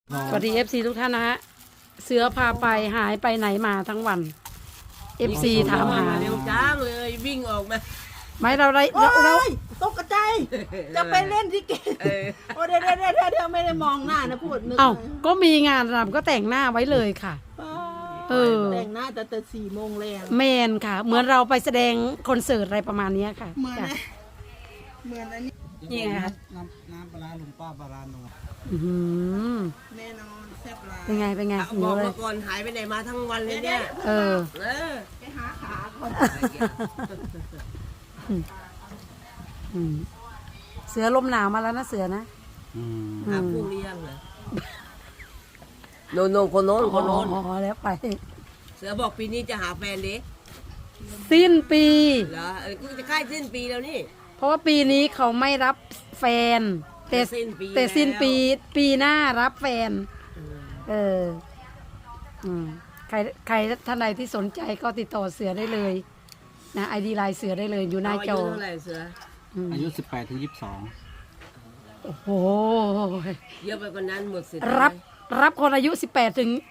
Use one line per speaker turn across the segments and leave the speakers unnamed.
สวัสดี FC ทุกท่านนะฮะเสือพาไปหายไปไหนมาทั้งวัน FC ถามหา
เร็วจ้างเลยวิ่งออกมา
ไม่เราได้
โอ้
เรา
ยตกใจจะไปเล่นที่เกตโอ้เดี๋ยวไม่ได้มองหน้านะพูดนึก
เอ้าก็มีงานรำก็แต่งหน้าไว้เลยค่ะ เออ
แต่งหน้าแต่4 โมงแรง
แมนค่ะ เหมือนเราไปแสดงคอนเสิร์ตอะไรประมาณนี้ค่ะ
เหมือน
จ้ะ
เหมือนอันนี้
นี่ไงคะ
น้ำปลาร้าลุงป้าปลาร้าโน
อื้อหือ
แน่นอนแซ่บหลาย
เป็นไงเป็นไง
เอา
หิ
บ
ว
อก
เลย
มาก่อนหายไปไหนมาทั้งวันเลยเนี่ย
เออ
เออ
ไปหาขาก่อน
อืมเสือลมหนาวมาแล้วนะเสือนะ
หาผู้เลี้ยงเหรอโนคนโน้นคนโน้น
อ๋อแล้วไป
เสือบอกปีนี้จะหาแฟนดิ
สิ้นปี
เหรอกูจะใกล้สิ้นปีแล้วนี่
เพราะว่าปีนี้เขาไม่รับแฟน แต่
สิ้นปี
แต่สิ้น
แล้ว
ปีหน้ารับแฟน เอออืมใครท่านใดที่สนใจก็ติดต่อเสือได้เลยนะไอดีไลน์เสือได้เลยอยู่หน้า
อา
จ
ยุ
อ
เท่าไหร่เสือ
อายุ18 ถึง
โอ้โห
เยอะไปกว่านั้นหมดสิทธิ์
รับคนอายุ 18 ถึง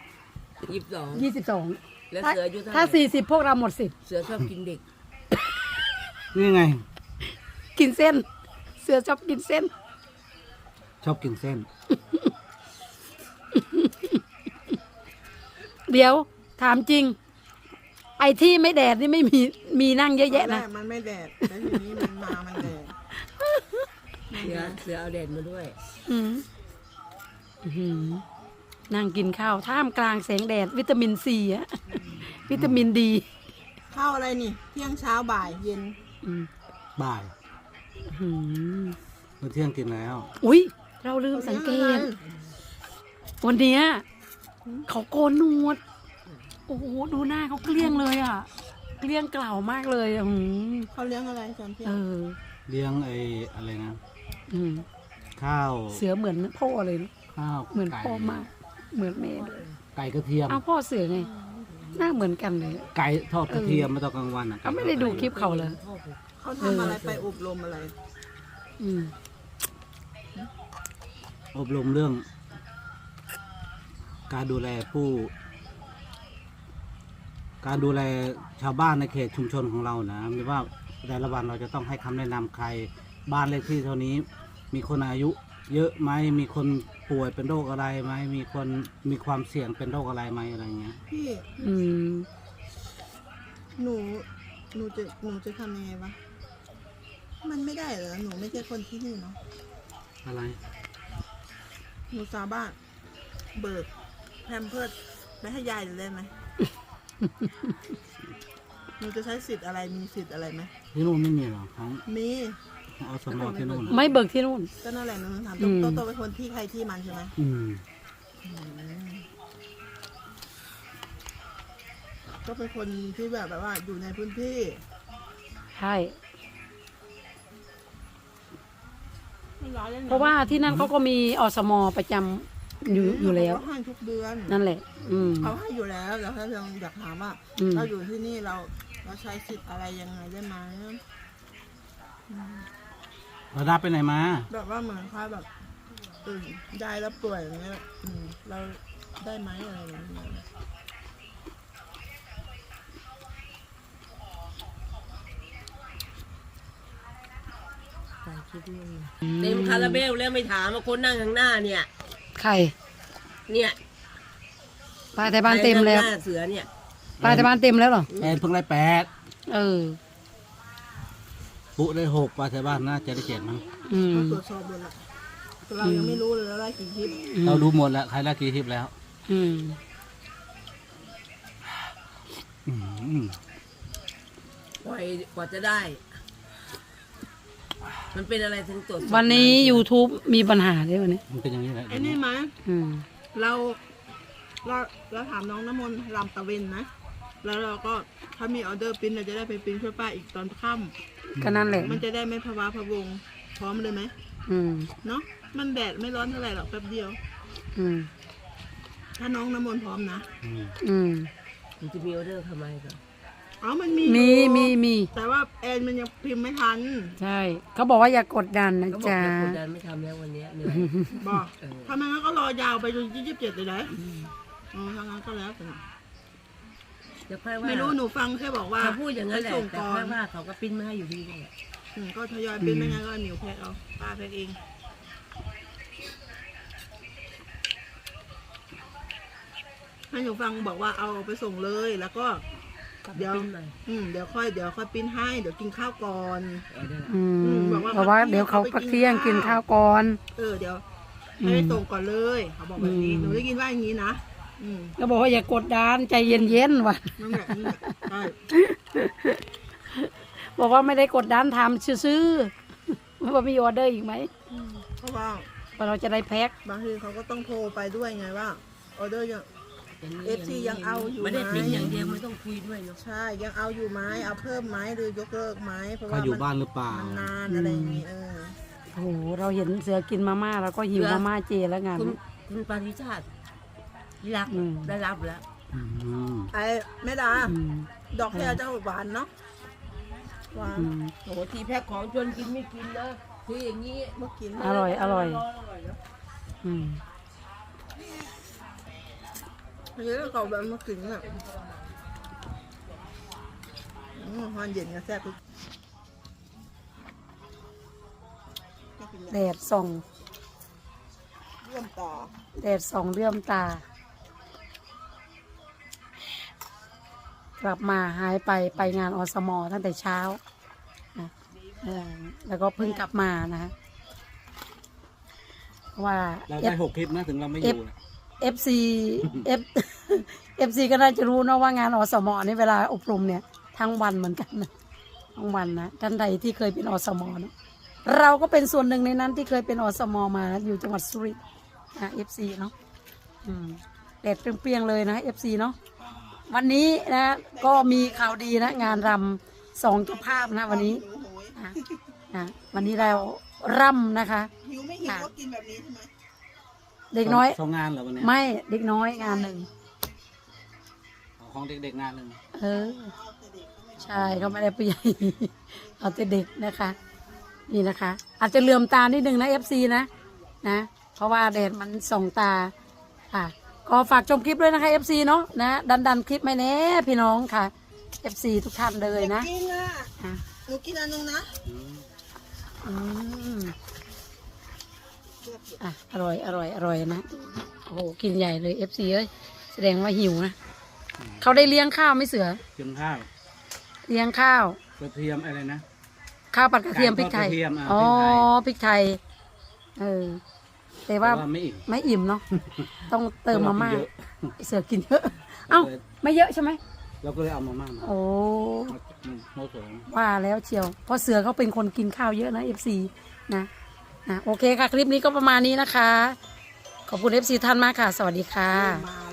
22
22
แล้วเสืออายุเท่าไหร่
ถ้า 40 พวกเราหมดสิทธิ์
เสือชอบกินเด็ก
22 นี่ไง
กินเส้น เสือชอบกินเส้น
ชอบกินเส้น
เดี๋ยวถามจริง ไอ้ที่ไม่แดดนี่ไม่มีนั่งเยอะแยะนะ
มันไม่แดดแล้วทีนี้มันแดด
เสือเอาแดดมาด้วย
อืมอื้อหือนั่งกินข้าวท่ามกลางแสงแดด วิตามินซีอะวิตามินดี
ข้าวอะไรนี่เที่ยงเช้าบ่ายเย็น
บ่าย
อื้อหือ
เมื่อเที่ยงกินแล้ว
อุ๊ย เราลืมสังเกต วันเนี้ยเขาโกนหนวด โอ้โห ดูหน้าเขาเกลี้ยงเลยอ่ะ เกลี้ยงเกล่ามากเลยอ่ะหืม
เขาเลี้ยงอะไรตอนเที่ย
เอง อ
เลี้ยงไอ้อะไรนะ
อืม
ข้าว
เสือเหมือนพ่อเลยนะ
ข้าว
เหมือน
ไก่
พ่อมาก เหมือนแม่เลย
ไก่กระเทียม
เอาพ่อเสือไง หน้าเหมือนกันเลย
ไก่ทอดกระเทียมมาตอนกลางวันอ่ะ
เขาไม่ได้ดูคลิปเขาเลย
เขาทำอะไรไปอบรมอะไร
อืม
อบรมเรื่อง การดูแลการดูแลชาวบ้านในเขตชุมชนของเรานะไม่ว่าแต่ละวันเราจะต้องให้คำแนะนำใครบ้านเลขที่เท่านี้ มีคนอายุ เยอะไหมมีคนป่วยเป็นโรคอะไรไหมมีคนมีความเสี่ยงเป็นโรคอะไรไหมอะไรเงี้ย
พี่
อืม
หนูจะทำยังไงวะมันไม่ได้เหรอหนูไม่ใช่คนที่นี่เนาะ
อะไร
หนูสาบ้านเบิกแพมเพิร์สไปให้ยายเลยไหม หนูจะใช้สิทธิ์อะไรมีสิทธิ์อะไรไหม
ที่นู่นไม่มีหรอของ
มี
อสมที่นู่น
ไม่เบิกที่นู่น
ก็นั่นแหละหนูถาม
อืม
โตเป็นคนที่ใครที่มันใช่ไหม
อืม
ก็เป็นคนที่แบบว่าอยู่ในพื้นที่
ใช่
ไม่ร้ายเลยน
เพราะว่าที่นั่นเขาก็มีอสมประจำอยู่แล้ว
เขาให้ทุกเดือน
นั่นแหละ อืม
เขาให้อยู่แล้วแต่ถ้าเราอยากถามว่า
อืม
เราอยู่ที่นี่เราใช้สิทธิ์อะไรยังไงได้ไหม
เราได้ไปไหนมา
แบบว่าเหมือนค่าแบบได้แล้วป่วยอย่างเงี้ยเราได้ไหมอะไรอย่างเงี้ย
เต็มคาราเบลแล้วไม่ถามว่าคนนั่งข้างหน้าเนี่ย
ใคร
เนี่ย
ป้าแต่บ้านเต็มแล้ว
ใครนั่งหน้าเสือเนี่ย
ป้าแต่บ้านเต็มแล้วเหรอ
แอนเพิ่งได้8
เออ
ปุ๊ได้6ปลาแถวบ้านน่าจะได้7มั้ง
อืม
เขาตรวจสอบหมดละแต่เรายังไม่รู้เลยว่าได้กี่คลิป
เราดูหมดแล้วใครได้กี่คลิปแล้ว
อืม
อืม
กว่าจะได้ มันเป็นอะไรถึงตรวจสอบ
วันนี้ YouTube มีปัญหาด้วยวันนี้
มันเป็นอย่างนี้แหละ
ไอ้นี่ไหม
อืม
เราถามน้องน้ำมนต์รำตะเวนนะแล้วเราก็ถ้ามีออเดอร์ปริ้นเราจะได้ไปปริ้นช่วยป้าอีกตอนค่
ก็นั่นแหละ
ำมันจะได้ไม่พะวาพะวงพร้อมเลยไหม
อืม
เนาะมันแดดไม่ร้อนเท่าไหร่หรอกแป๊บเดียว
อืม
ถ้าน้องน้ำมนต์พร้อมนะ
อืม
อืม
มันจะมีออเดอร์ทำไมก่อน
อ๋อมันมี
มี
อยู่
มี
แต่ว่าแอนมันยังพิมพ์ไม่ทัน
ใช่เขาบอกว่าอย่ากดดันนะ
เขาบอก
จ๊ะ
อย่ากดดันไม่ทำแล้ววันเนี้ยเหนื่อย
บอก
เออ
ถ้าไม่งั้นก็รอยาวไปจนที่27เลยนะอ๋อถ้างั้นก็แล้วแต่
เดี๋ยวค่อยว่า
ไม่รู้หนูฟังแค่บอกว่า
เขาพูดอย่างนั้นแหละ
ไปส่ง
แต่
ก่อ
ค่อน ยว่าเขาก็ปิ้นมาให้อยู่ดีนั่นแหละ
ก็ทยอยเป็นไม่งั้นก็หนิวแพ็คเอาป้าแพ็คเองให้หนูฟังบอกว่าเอาไปส่งเลยแล้วก็ เดี๋ยว
ปิ้นมา
เดี๋ยวค่อยปริ้นให้เดี๋ยวกินข้าวก่อน
เอาได้ละ
อืม
บอกว่า
เพราะว่าเดี๋ยวเขาพักเที่ยงกินข้าวก่อน
เดี๋ยวให้ไปส่งก่อนเลยเขาบอกแบบนี้
อืม
หนูได้ยินว่าอย่างนี้นะ
ก็บอกว่าอย่ากดดันใจเย็นๆว่ะ
นั่นแหละใช่
บอกว่าไม่ได้กดดันทำซื้อๆว่ามีออเดอร์อีกไหม
เพราะว่า
ว่าเราจะได้แพ็ค
บางทีเขาก็ต้องโทรไปด้วยไงว่าออเดอร์ยัง
อย่างนี้
FC ยังเอาอยู่
ไม่ได้
ไหม
ทิ้งอย่างเดียวไม่ต้องคุยด้วยเนาะ
ใช่ยังเอาอยู่ไหมเอาเพิ่มไหมหรือยกเลิกไหมเพราะ
เขา
ว่า
อยู่
มัน
บ้านหรือเปล่า
มันนานอะไรอย่างนี้
โอ้โหเราเห็นเสือกินมาม่าเราก็หิวมาม่าเจแล้วงาน
คุณปาริชาติรัก
อืม
ได้รับแล้ว
อืม
ไอ้แม่ดา
อืม
ดอกแครเจ้าหวานเนาะหวาน
อืม
โอ้โหทีแพ็คของชวนกินไม่กินนะคืออย่างนี้
เมื่อกี้
อร่อยอร่อยอืม
เยอะเก่าแบบเมื่อกี้เนี่ยฮอนเย็นกับแซ่บทุก
แดดส่อง
เริ่มต่อ
แดดส่องเลื่อมตา กลับมาหายไปงานอสมตั้งแต่เช้านะแล้วก็เพิ่งกลับมานะฮะเพราะว่า
เราได้6 คลิปนะถึงเราไม่อยู่นะ
FC F FC ก็น่าจะรู้เนอะว่างานอสมนี่เวลาอบรมเนี่ยทั้งวันเหมือนกันนะทั้งวันนะท่านใดที่เคยเป็นอสมเนอะเราก็เป็นส่วนหนึ่งในนั้นที่เคยเป็นอสมมาอยู่จังหวัดสุรินทร์นะ FC เนาะแดดเปรี้ยงๆเลยนะ FC เนาะวันนี้นะก็มีข่าวดีนะงานรำ2 เจ้าภาพนะวันนี้นะวันนี้เราร่ำนะคะ
หิวไม่หิวก็กินแบบนี้ใช่ไหม
เด็กน้อย
สองงานเหรอวันเนี้ย
ไม่เด็กน้อยงานหนึ่ง
ของเด็กๆงานหนึ่ง
ใช่เขาไม่ได้ผู้ใหญ่ เอาแต่เด็กนะคะ นี่นะคะ อาจจะเหลื่อมตานิดนึงนะ FC นะเพราะว่าแดดมันส่องตาค่ะก็ฝากชมคลิปด้วยนะคะ FC เนาะนะดันคลิปไม่แน่พี่น้องค่ะ FC ทุกท่านเลยนะ
กินอ่ะ
อ่ะ
หนูกินอันนึงนะ
อืมอ่ะอร่อยนะโอ้โหกินใหญ่เลย FC เอ้ยแสดงว่าหิวนะเขาได้เลี้ยงข้าวไหม่เสือ
กินข้าว
เลี้ยงข้าว
กระเทียมอะไรนะ
ข้าวผัดกระเทียมพริกไทย
กระเทียม
อ๋อ
พริกไทย
พริกไทยแต่ว่า
แต่ว่าไม่อิ่ม
ไม่อิ่มเนาะต้องเติมมาม่า
เยอะ
เสือกินเยอะเอ้าไม่เยอะใช่ไหม
เราก็เลยเอามาม่ามา
โอ้
โมโสง
ว่าแล้วเชียวเพราะเสือเขาเป็นคนกินข้าวเยอะนะ FC นะโอเคค่ะคลิปนี้ก็ประมาณนี้นะคะ ขอบคุณ FC ท่านมากค่ะ สวัสดีค่ะ
มา